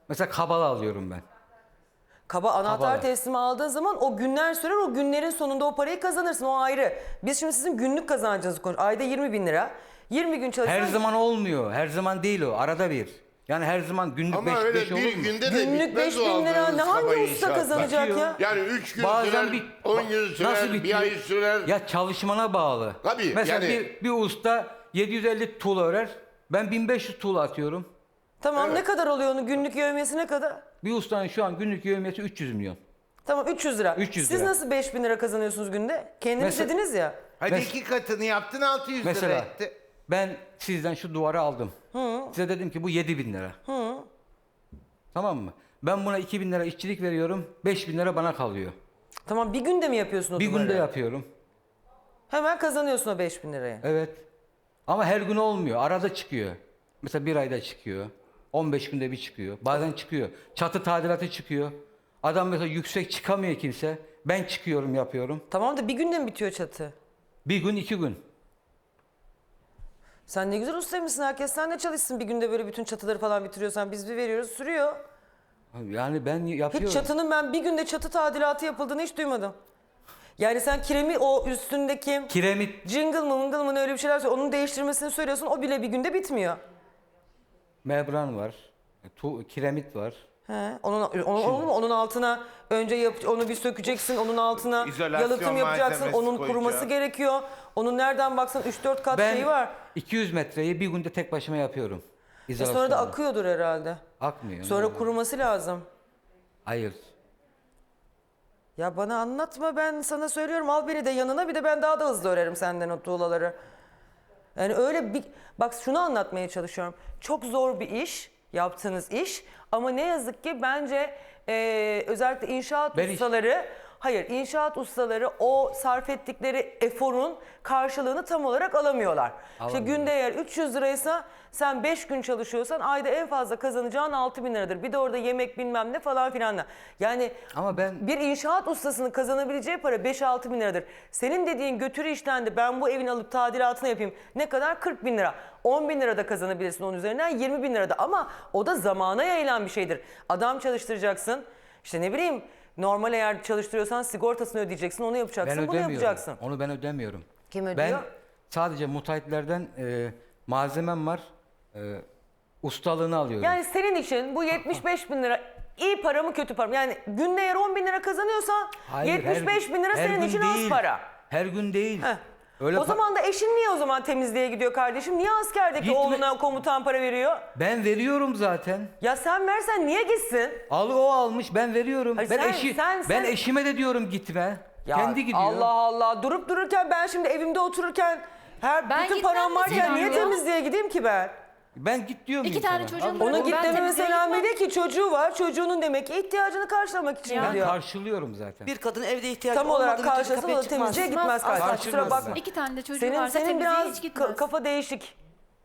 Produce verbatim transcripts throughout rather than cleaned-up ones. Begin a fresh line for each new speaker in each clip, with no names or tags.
Mesela kabala alıyorum ben.
Kaba anahtar
Kabala.
teslimi aldığın zaman o günler sürer, o günlerin sonunda o parayı kazanırsın, o ayrı. Biz şimdi sizin günlük kazancınızı konuşuyoruz. Ayda yirmi bin lira. yirmi gün çalışsan...
Her zaman olmuyor. Her zaman değil o. Arada bir. Yani her zaman günlük
Ama
beş,
öyle
beş olur
bir
mu?
günde de
Günlük
bitmez
beş
o
bin lira
aldığınız
ne hangi
kaba
usta
inşaatlar.
kazanacak
Bitiyor.
ya?
Yani üç gün
Bazen
sürer,
bir
on gün sürer,
nasıl
bir
bitiyor?
ay sürer.
Ya çalışmana bağlı.
Tabii,
Mesela
yani-
bir, bir usta yedi yüz elli tuğla örer. Ben bin beş yüz tuğla atıyorum.
Tamam,
Evet.
ne kadar oluyor onun günlük yevmiyesi ne kadar?
Bir ustanın şu an günlük yevmiyesi üç yüz milyon.
Tamam, üç yüz lira.
üç yüz
Siz
lira.
nasıl beş bin lira kazanıyorsunuz günde? Kendiniz
Mesela-
dediniz ya.
Hadi
Mes-
iki katını yaptın altı yüz lira
Mesela
etti.
ben sizden şu duvarı aldım. Size dedim ki bu yedi bin lira. Tamam mı? Ben buna iki bin lira işçilik veriyorum. beş bin lira bana kalıyor.
Tamam, bir günde mi yapıyorsun o
Bir
duvarı?
günde yapıyorum.
Hemen kazanıyorsun o beş bin lirayı.
Evet. Ama her gün olmuyor. Arada çıkıyor. Mesela bir ayda çıkıyor. on beş günde bir çıkıyor. Bazen çıkıyor. Çatı tadilatı çıkıyor. Adam mesela yüksek çıkamıyor kimse. Ben çıkıyorum, yapıyorum.
Tamam da bir günde mi bitiyor çatı?
Bir gün, iki gün.
Sen ne güzel ustaymışsın, herkes seninle çalışsın, bir günde böyle bütün çatıları falan bitiriyorsan biz bir veriyoruz, sürüyor.
Yani ben yapıyorum.
Hiç çatının ben bir günde çatı tadilatı yapıldığını hiç duymadım. Yani sen kiremi o üstündeki
Kiremit,
jingle mı mıngıl mı ne öyle bir şeyler söylüyor. Onun değiştirmesini söylüyorsun, o bile bir günde bitmiyor.
membran var. Tu, kiremit var.
He, onun, onun, onun, onun altına önce yap, onu bir sökeceksin, onun altına
İzolasyon
yalıtım yapacaksın,
malzemesi
onun
koyacağım.
kuruması gerekiyor. Onun nereden baksan üç dört kat
Ben
şeyi var.
iki yüz metreyi bir günde tek başıma yapıyorum.
E sonra da
İzolasyonla.
akıyordur herhalde.
Akmıyor.
Sonra kuruması lazım.
Hayır.
Ya bana anlatma, ben sana söylüyorum, al beni de yanına, bir de ben daha da hızlı örerim senden o tuğlaları. Yani öyle bir, bak şunu anlatmaya çalışıyorum. Çok zor bir iş, yaptığınız iş, ama ne yazık ki bence eee, özellikle inşaat
Ben iş-
ustaları, hayır inşaat ustaları o sarf ettikleri eforun karşılığını tam olarak alamıyorlar. İşte
Alamıyorlar.
günde eğer üç yüz liraysa sen beş gün çalışıyorsan ayda en fazla kazanacağın altı bin liradır. Bir de orada yemek bilmem ne falan filan da. Yani
Ama ben
bir inşaat ustasının kazanabileceği para beş altı bin liradır. Senin dediğin götürü işten de ben bu evin alıp tadilatını yapayım. Ne kadar? kırk bin lira. on bin lira da kazanabilirsin onun üzerinden, yirmi bin lira da. Ama o da zamana yayılan bir şeydir. Adam çalıştıracaksın. İşte ne bileyim, normal eğer çalıştırıyorsan sigortasını ödeyeceksin, onu yapacaksın,
ben
bunu
ödemiyorum.
yapacaksın.
Onu ben ödemiyorum.
Kim
Ben
ödüyor?
sadece müteahhitlerden e, malzemem var. E, ustalığını alıyorum.
Yani senin için bu yetmiş beş bin lira iyi para mı kötü para mı? Yani günde eğer on bin lira kazanıyorsan
Hayır,
yetmiş beş
her-
bin lira
her
senin
gün
için
değil.
az para.
Her gün değil.
Heh.
Öyle
o
pa-
zaman da eşin niye o zaman temizliğe gidiyor kardeşim? Niye askerdeki
Gitme-
oğluna komutan para veriyor?
Ben veriyorum zaten.
Ya sen versen niye gitsin?
Al o almış, ben veriyorum.
Hayır,
ben
sen-
eşi
sen-
ben
sen-
eşime de diyorum gitme.
Ya
Kendi gidiyor.
Allah Allah, durup dururken ben şimdi evimde otururken her
Ben
bütün
gitmem
param varken
mi
niye
diyor?
temizliğe gideyim ki ben?
Ben git diyorum
İki
insana.
tane çocuğum
Allah-
var.
Ona
Ben
git deme
temizliğe
mesela
gitmem.
Melek ki çocuğu var. Çocuğunun demek ki ihtiyacını karşılamak için
Ya.
Ben
gidiyor.
karşılıyorum zaten.
Bir kadın evde ihtiyacı
Tam olarak
olmadığı müddetçe
karşılasın, o
kapıya
da
çıkmaz.
temizliğe gitmez
Asla
kardeşim. Kusura
çıkmaz.
bakma.
İki tane de çocuğu
Senin,
varsa
senin
temizliğe
biraz
hiç gitmez.
ka- kafa değişik.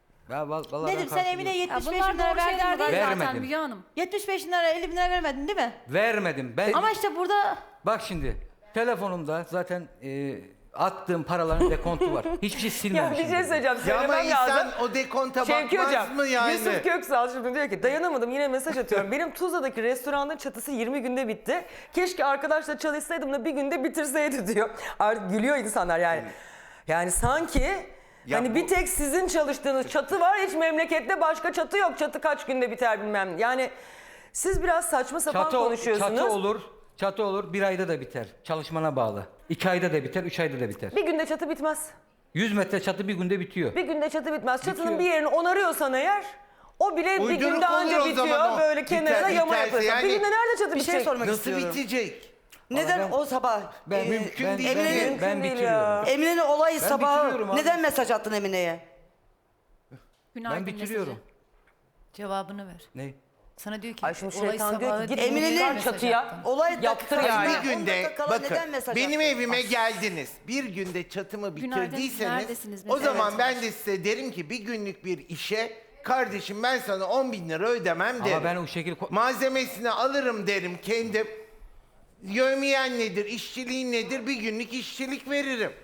Ya val- vallahi
Nedim
ben
sen Emine
karşılıyorum.
Ya
yetmiş beş
bunlar
bin lira
doğru şeyler
verdin
değil
değil mi?
zaten
Vermedim.
Müge Hanım.
yetmiş beş bin lira elli bin lira vermedin değil mi?
Vermedim. Ben
Ama işte burada
bak şimdi telefonumda zaten e, attığım paraların dekontu var. Hiçbir şey
Ya
silmemişim.
bir şey söyleyeceğim.
Ya ama
Söylemem
insan
lazım.
o dekonta
Şevki
bakmaz
Hocam,
mı yani?
Yusuf Köksal şimdi diyor ki dayanamadım, yine mesaj atıyorum. Benim Tuzla'daki restoranın çatısı yirmi günde bitti. Keşke arkadaşla çalışsaydım da bir günde bitirseydi diyor. Artık gülüyor insanlar yani. Yani sanki
Ya
hani
bu-
bir tek sizin çalıştığınız çatı var, hiç memlekette başka çatı yok. Çatı kaç günde biter bilmem. Yani siz biraz saçma sapan
Çatı,
konuşuyorsunuz.
çatı olur. Çatı olur. Bir ayda da biter. Çalışmana bağlı. İki ayda da biter. Üç ayda da biter.
Bir günde çatı bitmez.
Yüz metre çatı bir günde bitiyor.
Bir günde çatı bitmez. Çatının
Bitiyor.
bir yerini onarıyorsan eğer o bile bir
Uyduruk
günde
olur
anca
o
bitiyor.
zaman o.
Böyle
Biter-
kenarına yama
biterse
yapıyorsun.
yani-
Bir günde nerede çatı
bir şey
bitecek?
sormak
Nasıl
istiyorum.
bitecek?
Neden
ben-
o sabah
Ben
e,
mümkün
ben,
değil.
Ben,
Emine'nin-
Mümkün
ben
değil
bitiriyorum.
ya.
Emine'nin olayı
Ben
sabahı
bitiriyorum abi.
neden mesaj attın Emine'ye?
Günaydın
Ben bitiriyorum.
mesajı. Cevabını ver.
Ne?
Sana diyor ki
Ay şimdi
olay
şeytan diyor
sabahı
ki git
değil,
Emine'nin
mesaj
çatıya.
attın.
Olay
Yaptır
dakika-
yani.
Bir
on
günde
dakika kala
bakın
neden mesaj
benim
attın?
evime geldiniz. Bir günde çatımı
Günaydın,
bitirdiyseniz
neredesiniz
o
mesela?
zaman
Evet.
ben de size derim ki bir günlük bir işe kardeşim ben sana on bin lira ödemem derim.
Ama ben o şekilde...
Malzemesini alırım derim kendim. Yövmiyen nedir, işçiliğin nedir bir günlük işçilik veririm.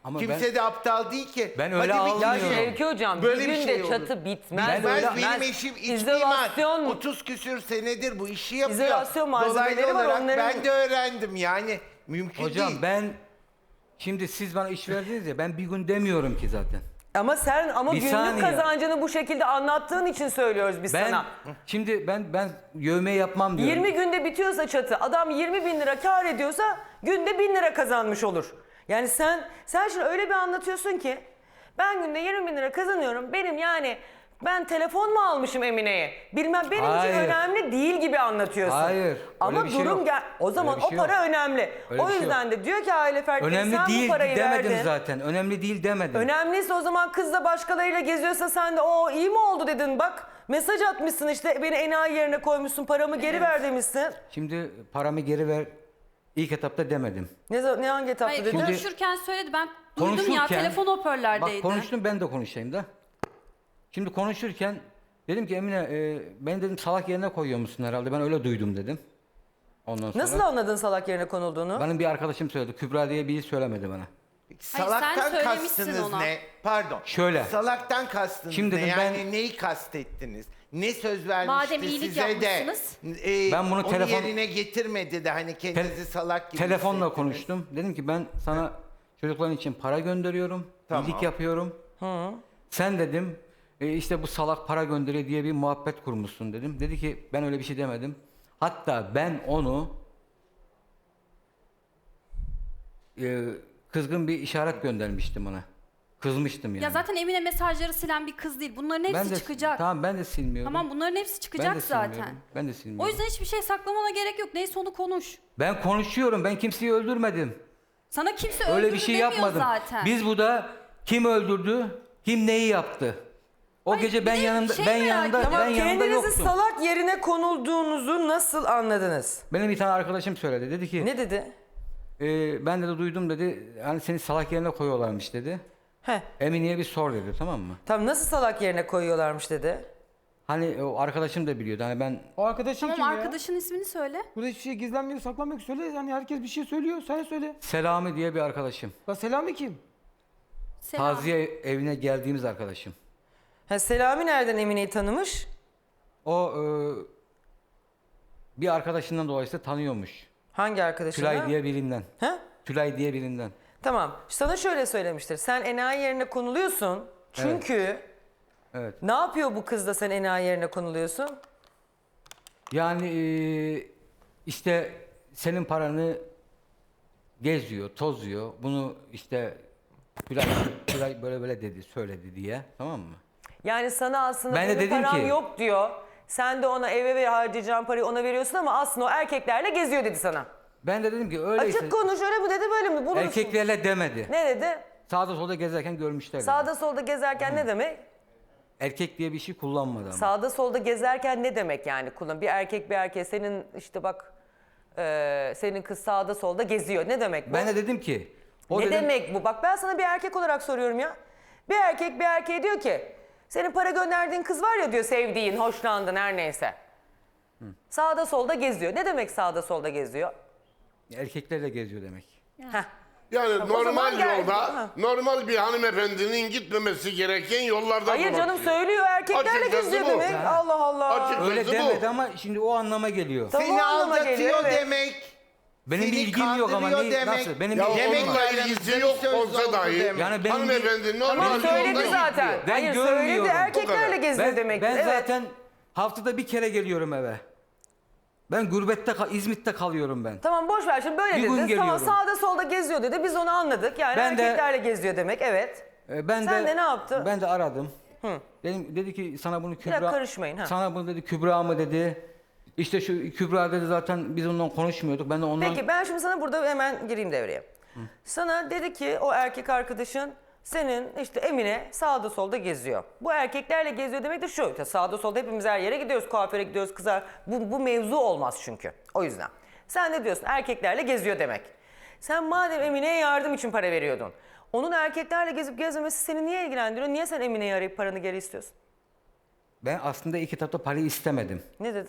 Ama
Kimse
ben-
de aptal değil ki.
Ben öyle
Hadi bir
Ya
almıyorum.
Şevki Hocam
Böyle
bir
bir
günde
şey olur.
çatı bitmez.
Ben
Ben,
öyle-
benim eşim iç
İzolasyon,
mimar. otuz küsür senedir bu işi yapıyor.
İzolasyon malzemeleri
Dolaylı
var,
olarak
onların-
ben de öğrendim yani. Mümkün
Hocam
değil.
ben şimdi siz bana iş verdiniz ya, ben bir gün demiyorum ki zaten.
Ama sen ama
Bir
günlük
saniye.
kazancını bu şekilde anlattığın için söylüyoruz biz
Ben
sana.
şimdi ben ben yövme yapmam diyorum.
yirmi günde bitiyorsa çatı, adam yirmi bin lira kar ediyorsa günde bin lira kazanmış olur. Yani sen sen şimdi öyle bir anlatıyorsun ki ben günde yirmi bin lira kazanıyorum. Benim yani ben telefon mu almışım Emine'ye? Bilmem benim
Hayır.
için önemli değil gibi anlatıyorsun.
Hayır,
Ama
öyle bir şey
durum
yok.
gel o zaman
Öyle bir şey
o para
yok.
önemli.
Öyle
o
bir şey
yüzden de diyor ki aile fertleri
Önemli
sen
değil
bu parayı
demedim
verdin.
zaten. Önemli değil demedim.
Önemliyse o zaman kız da başkalarıyla geziyorsa sen de o iyi mi oldu dedin bak. Mesaj atmışsın işte beni enayi yerine koymuşsun paramı geri ver demişsin.
Şimdi paramı geri ver ilk etapta demedim.
Ne, za- ne hangi etapta
Hayır,
dedin?
Şimdi-
konuşurken söyledi. Ben duydum ya,
Konuşurken-
telefon hoparlördeydi.
Bak konuştum, ben de konuşayım da. Şimdi konuşurken dedim ki Emine e, beni dedim salak yerine koyuyor musun herhalde, ben öyle duydum dedim. Ondan sonra.
Nasıl anladın salak yerine konulduğunu?
Benim bir arkadaşım söyledi. Kübra diye biri söylemedi bana.
Salaktan
söylemişsin
kastınız
ona.
ne? Pardon.
Şöyle.
Salaktan kastınız
Şimdi
ne?
dedim
Yani
ben-
neyi kastettiniz? Ne söz vermişti
Madem iyilik
size de?
yapmışsınız.
e,
Ben bunu
onu
telefon-
yerine getirmedi de hani kendinizi
Te-
salak gibi
Telefonla
hissettiniz.
konuştum. Dedim ki ben sana çocukların için para gönderiyorum.
Tamam.
İyilik yapıyorum. Sen dedim e, işte bu salak para gönderiyor diye bir muhabbet kurmuşsun dedim. Dedi ki ben öyle bir şey demedim. Hatta ben onu e, kızgın bir işaret göndermiştim ona. Kızmıştım yani.
Ya zaten Emine mesajları silen bir kız değil. Bunların hepsi
ben de,
çıkacak.
Tamam ben de silmiyorum.
Tamam, bunların hepsi
ben
çıkacak
de
zaten.
silmiyorum. Ben de silmiyorum.
O yüzden hiçbir şey saklamana gerek yok. Neyse onu konuş.
Ben konuşuyorum. Ben kimseyi öldürmedim.
Sana kimse
Öyle
öldürdü
bir şey
demiyor
yapmadım.
zaten.
Biz burada kim öldürdü, kim neyi yaptı? O
Hayır,
gece
bir
ben
de
yanında
şey
ben
merak
yanında
ediyorum.
ben
Ama
yanında
kendinizi
yoktum.
salak yerine konulduğunuzu nasıl anladınız?
Benim bir tane arkadaşım söyledi. Dedi ki
Ne dedi?
e, ben de duydum dedi. Hani seni salak yerine koyuyorlarmış dedi.
Heh,
Emine'ye bir sor dedi, tamam mı?
tam nasıl salak yerine koyuyorlarmış dedi.
Hani o arkadaşım da biliyordu. Hani ben
O arkadaşın
Tamam,
kim ya?
arkadaşın ismini söyle.
Burada hiçbir şey gizlenmiyor, saklanmıyor. Söyle yani, herkes bir şey söylüyor. Sen de söyle.
Selami diye bir arkadaşım.
La Selami kim?
Selam.
Taziye evine geldiğimiz arkadaşım.
Ha, Selami nereden Emine'yi tanımış?
O e, bir arkadaşından dolayısıyla tanıyormuş.
Hangi arkadaşına?
Tülay diye birinden.
Ha?
Tülay diye birinden.
Tamam. Sana şöyle söylemiştir. Sen enayi yerine konuluyorsun. Çünkü
Evet.
ne yapıyor bu kız da sen enayi yerine konuluyorsun?
Yani e, işte senin paranı geziyor, tozuyor. Bunu işte Tülay, Tülay böyle böyle dedi, söyledi diye. Tamam mı?
Yani sana aslında
Ben de
benim
dedim
param
ki-
yok diyor. Sen de ona eve ver harcayacağın parayı ona veriyorsun ama aslında o erkeklerle geziyor dedi sana.
Ben de dedim ki öyleyse
Açık konuş öyle mi dedi böyle mi? Bulursun.
erkeklerle demedi.
Ne dedi?
Sağda solda gezerken görmüşler dedi.
Sağda solda gezerken ne demek?
Erkek diye bir şey kullanmadı ama.
Sağda solda gezerken ne demek yani kullan? Bir erkek bir erkeğe senin işte bak e, senin kız sağda solda geziyor. Ne demek bu?
Ben de dedim ki o
ne
dedim,
demek bu? Bak ben sana bir erkek olarak soruyorum ya. Bir erkek bir erkeğe diyor ki senin para gönderdiğin kız var ya diyor sevdiğin, hoşlandın her neyse. Sağda solda geziyor. Ne demek sağda solda geziyor?
erkeklerle geziyor demek.
Heh.
Yani
o zaman
normal
gel-
yolda,
Ha.
normal bir hanımefendinin gitmemesi gereken yollardan
Hayır canım
dolaşıyor.
söylüyor erkeklerle
Açıkçası
geziyor
bu.
demek.
Yani.
Allah Allah.
Açık-
Öyle
Kızı bu.
demedi ama şimdi o anlama geliyor.
Tamam,
Seni
o anlama
aldatıyor
geliyor, evet.
demek.
Benim
Seni
bir ilgim yok ama
kandırıyor
ne,
demek.
nasıl? Benim
Ya
bir ilgim
Demek
var.
onunla
aramızda
ilgisi
bir
yok
söz
olsa
oldu
dahi
demek.
Yani benim
hanımefendi normal
Tamam
Benim
söyledi
yolda
zaten.
Ben
Hayır söyledi
görmüyorum.
erkeklerle
Bu kadar.
geziyor
Ben,
demek.
ben
Evet.
zaten haftada bir kere geliyorum eve. Ben gurbette, kal- İzmit'te kalıyorum ben.
Tamam boş ver şimdi böyle
Bir gün
dedi. Tamam
geliyorum.
sağda solda geziyor dedi. Biz onu anladık. Yani
Ben de-
erkeklerle geziyor demek. Evet.
Ee, Ben
Sen
de,
de ne yaptın?
Ben de aradım. Dedim, dedi ki sana bunu Kübra...
dakika, karışmayın, ha.
Sana bunu dedi Kübra mı dedi. İşte şu Kübra dedi zaten biz ondan konuşmuyorduk. Ben de ondan...
Peki ben şimdi sana burada hemen gireyim devreye. Sana dedi ki o erkek arkadaşın senin işte Emine sağda solda geziyor. Bu erkeklerle geziyor demek de şu. işte sağda solda hepimiz her yere gidiyoruz. Kuaföre gidiyoruz kızlar. Bu, bu mevzu olmaz çünkü. O yüzden. Sen ne diyorsun? Erkeklerle geziyor demek. Sen madem Emine'ye yardım için para veriyordun. Onun erkeklerle gezip gezmemesi seni niye ilgilendiriyor? Niye sen Emine'yi arayıp paranı geri istiyorsun?
Ben aslında ilk etapta parayı istemedim.
Ne dedi?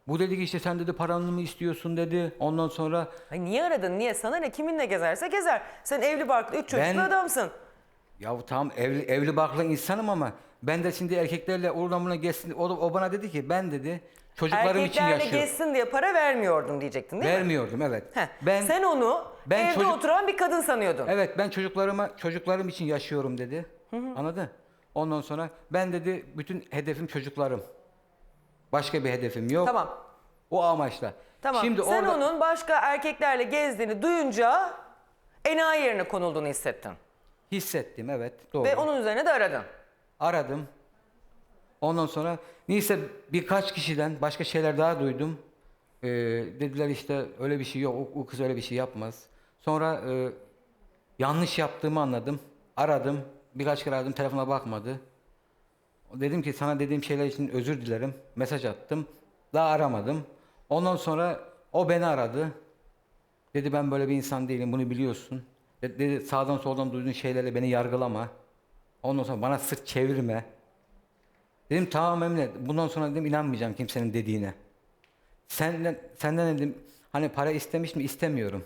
Bu dedi ki işte sen dedi paranı mı istiyorsun dedi. Ondan sonra
Ay niye aradın? Niye? Sana ne? Kiminle gezerse gezer. Sen evli barklı, üç çocuklu
Ben-
adamsın.
ya tamam evli, evli barklı insanım ama ben de şimdi erkeklerle oradan buna geçsin. O, o bana dedi ki ben dedi çocuklarım için
Erkeklerle
yaşıyorum.
gezsin diye para vermiyordum diyecektin değil mi?
Vermiyordum evet.
Heh,
Ben
Sen onu
ben
evde
çocuk-
oturan bir kadın sanıyordun.
evet ben çocuklarıma çocuklarım için yaşıyorum dedi. Anladın? Ondan sonra ben dedi bütün hedefim çocuklarım. Başka bir hedefim yok.
Tamam.
O amaçla.
Tamam.
Şimdi
Sen
orada
onun başka erkeklerle gezdiğini duyunca enayi yerine konulduğunu hissettin.
hissettim evet doğru.
Ve onun üzerine de aradın.
Aradım. Ondan sonra neyse birkaç kişiden başka şeyler daha duydum. Ee, dediler işte öyle bir şey yok. O, o kız öyle bir şey yapmaz. Sonra e, yanlış yaptığımı anladım. Aradım. Birkaç kere aradım. Telefona bakmadı. Dedim ki sana dediğim şeyler için özür dilerim. Mesaj attım. Daha aramadım. Ondan sonra o beni aradı. Dedi ben böyle bir insan değilim. Bunu biliyorsun. De- Dedi sağdan soldan duyduğun şeylerle beni yargılama. Ondan sonra bana sırt çevirme. Dedim tamam Emine. Bundan sonra dedim inanmayacağım kimsenin dediğine. Senden, senden dedim hani para istemiş mi istemiyorum.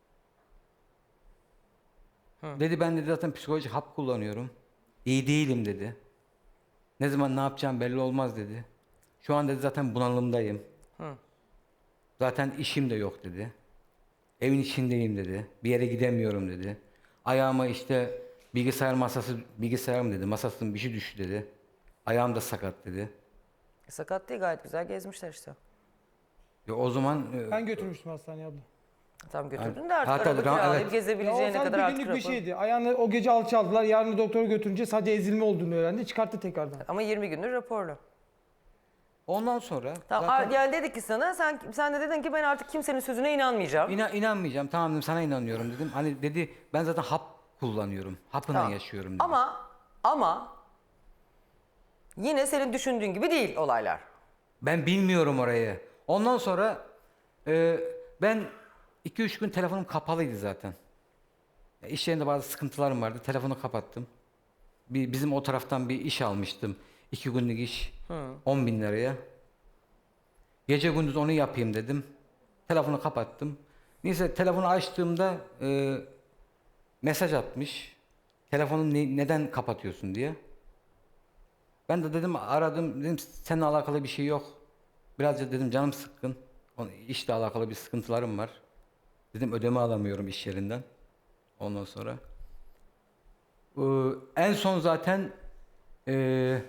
Dedi ben dedi zaten psikolojik hap kullanıyorum. İyi değilim dedi. Ne zaman ne yapacağım belli olmaz dedi. Şu an dedi zaten bunalımdayım. Zaten işim de yok dedi. Evin içindeyim dedi. Bir yere gidemiyorum dedi. Ayağıma işte bilgisayar masası, bilgisayarım dedi. Masasının bir şey düştü dedi. Ayağım da sakat dedi.
Sakat değil, gayet güzel gezmişler işte.
Ya o zaman e,
Ben götürmüştüm hastaneye abla.
Tam götürdün de artık
Hatta
araba
ra-
kiralayıp
evet.
Ya o
gezebileceğine
sadece
kadar
bir
artık
günlük bir
rapor.
şeydi. Ayağını o gece alçaldılar. Yarın doktora götürünce sadece ezilme olduğunu öğrendi. Çıkarttı tekrardan.
Ama yirmi gündür raporlu.
ondan sonra
Tamam,
zaten
yani dedik ki sana, sen sen de dedin ki ben artık kimsenin sözüne inanmayacağım.
İna, inanmayacağım. Tamam dedim sana inanıyorum dedim. Hani dedi ben zaten hap kullanıyorum. Hapına
Tamam.
yaşıyorum dedi.
Ama ama yine senin düşündüğün gibi değil olaylar.
Ben bilmiyorum orayı. Ondan sonra e, ben iki üç gün telefonum kapalıydı zaten. Ya, İş yerinde bazı sıkıntılarım vardı. Telefonu kapattım. Bir, bizim o taraftan bir iş almıştım. İki günlük iş. on bin liraya. Gece gündüz onu yapayım dedim. Telefonu kapattım. Neyse telefonu açtığımda e, mesaj atmış. Telefonu ne- neden kapatıyorsun diye. Ben de dedim aradım dedim seninle alakalı bir şey yok. Birazcık dedim canım sıkkın. Onun işle alakalı bir sıkıntılarım var. Dedim ödeme alamıyorum iş yerinden. Ondan sonra. Ee, en son zaten e,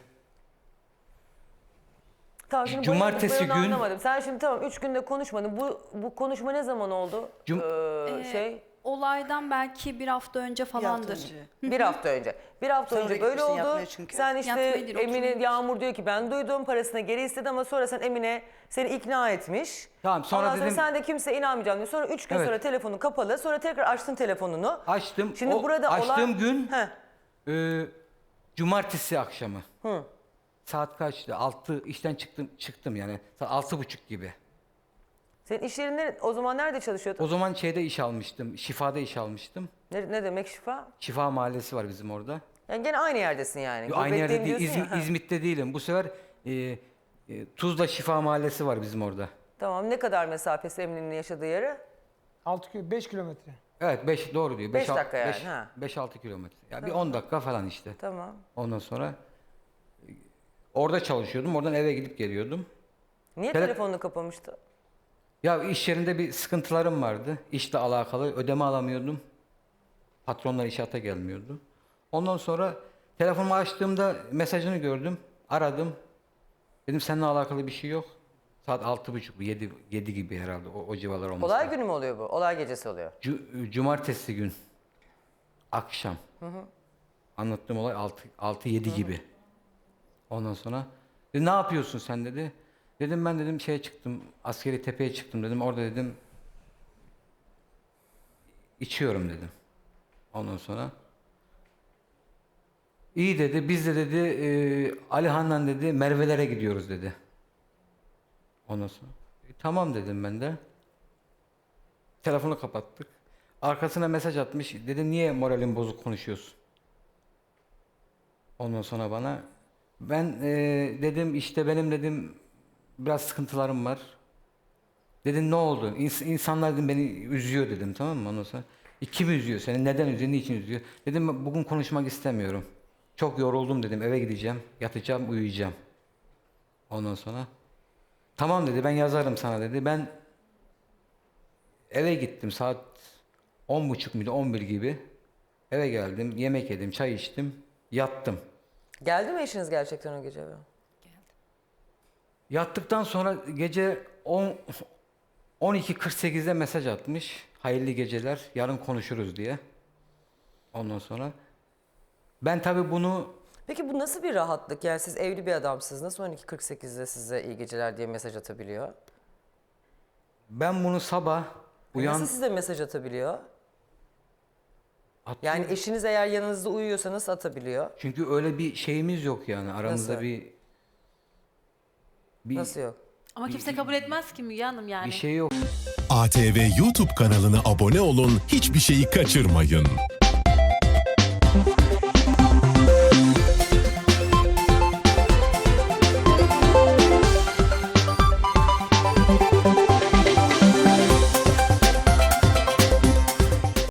Tamam, şimdi
Cumartesi
bayıldık, ben onu
gün-
anlamadım. Sen şimdi tamam üç günde konuşmadın. Bu bu konuşma ne zaman oldu?
Cum-
Ee, şey
Olaydan belki bir hafta önce falandır.
önce.
bir hafta önce. Bir hafta
Sonra
önce böyle
gitmişsin
oldu.
yatmaya çünkü.
Sen işte
Yatmaya değil,
Emine,
oturmuş.
Yağmur diyor ki ben duydum, parasını geri istedi ama sonra sen Emine seni ikna etmiş.
Tamam, sonra
Ondan
dedim-
sen de kimseye inanmayacağım diyor. Sonra üç gün
Evet.
sonra telefonu kapalı. Sonra tekrar açtın telefonunu.
açtım.
Şimdi
O
burada
açtığım
olay...
gün
Heh.
e, cumartesi akşamı.
Hı.
Saat kaçtı? Altı işten çıktım çıktım yani. Saat altı buçuk gibi.
Senin iş yerinde o zaman nerede çalışıyordun?
O zaman şeyde iş almıştım. Şifada iş almıştım.
Ne, ne demek şifa?
Şifa mahallesi var bizim orada.
Yani gene aynı yerdesin yani.
Yo, aynı yerde
Gurbetteyim
değil.
diyorsun
İzmi-
ya, ha.
İzmit'te değilim. Bu sefer e, e, Tuzla Şifa Mahallesi var bizim orada.
Tamam, ne kadar mesafesi Emine'nin yaşadığı yere?
altı kilo, beş kilometre.
Evet beş doğru diyor.
Beş dakika yani, ha.
beş altı kilometre. Ya bir on dakika falan işte.
Tamam.
Ondan sonra e, orada çalışıyordum. Oradan eve gidip geliyordum.
Niye
Tele-
telefonunu kapamıştı?
Ya iş yerinde bir sıkıntılarım vardı. İşle alakalı ödeme alamıyordum. Patronlar inşaata gelmiyordu. Ondan sonra telefonumu açtığımda mesajını gördüm. Aradım. Dedim seninle alakalı bir şey yok. Saat altı buçuk, yedi, yedi gibi herhalde o, o civarlar olması.
Olay
lazım.
günü mü oluyor bu? Olay gecesi oluyor.
Cu- cumartesi gün akşam. Anlattığım olay altı, altı yedi gibi. Ondan sonra dedi, ne yapıyorsun sen dedi. Dedim ben dedim şeye çıktım, askeri tepeye çıktım dedim. Orada dedim içiyorum dedim. Ondan sonra iyi dedi. Biz de dedi e, Alihan'la dedi Merve'lere gidiyoruz dedi. Ondan sonra "E, tamam dedim ben de. Telefonu kapattık. Arkasına mesaj atmış. Dedim niye moralin bozuk konuşuyorsun? Ondan sonra bana ben e, dedim işte benim dedim biraz sıkıntılarım var. Dedim ne oldu? İns- insanlar dedim, beni üzüyor dedim, tamam mı? Ondan sonra "E, kim üzüyor seni? Neden üzüyor? Niçin üzüyor? Dedim bugün konuşmak istemiyorum. Çok yoruldum dedim. Eve gideceğim. Yatacağım, uyuyacağım. Ondan sonra tamam dedi, ben yazarım sana dedi. Ben eve gittim saat on buçuk muydu, on bir gibi. Eve geldim, yemek yedim, çay içtim, yattım.
Geldi mi eşiniz gerçekten o gece eve?
Yattıktan sonra gece on on iki kırk sekizde mesaj atmış. Hayırlı geceler, yarın konuşuruz diye. Ondan sonra ben tabii bunu
Peki bu nasıl bir rahatlık? Yani siz evli bir adamsınız. Nasıl on iki kırk sekizde size iyi geceler diye mesaj atabiliyor?
ben bunu sabah uyan
Nasıl size mesaj atabiliyor?
atıyorum.
Yani eşiniz eğer yanınızda uyuyorsa nasıl atabiliyor?
Çünkü öyle bir şeyimiz yok yani aramızda
Nasıl?
bir bir,
Nasıl yok?
Ama kimse kabul etmez ki Müge Hanım yani.
bir şey yok.
A T V YouTube kanalına abone olun, hiçbir şeyi kaçırmayın.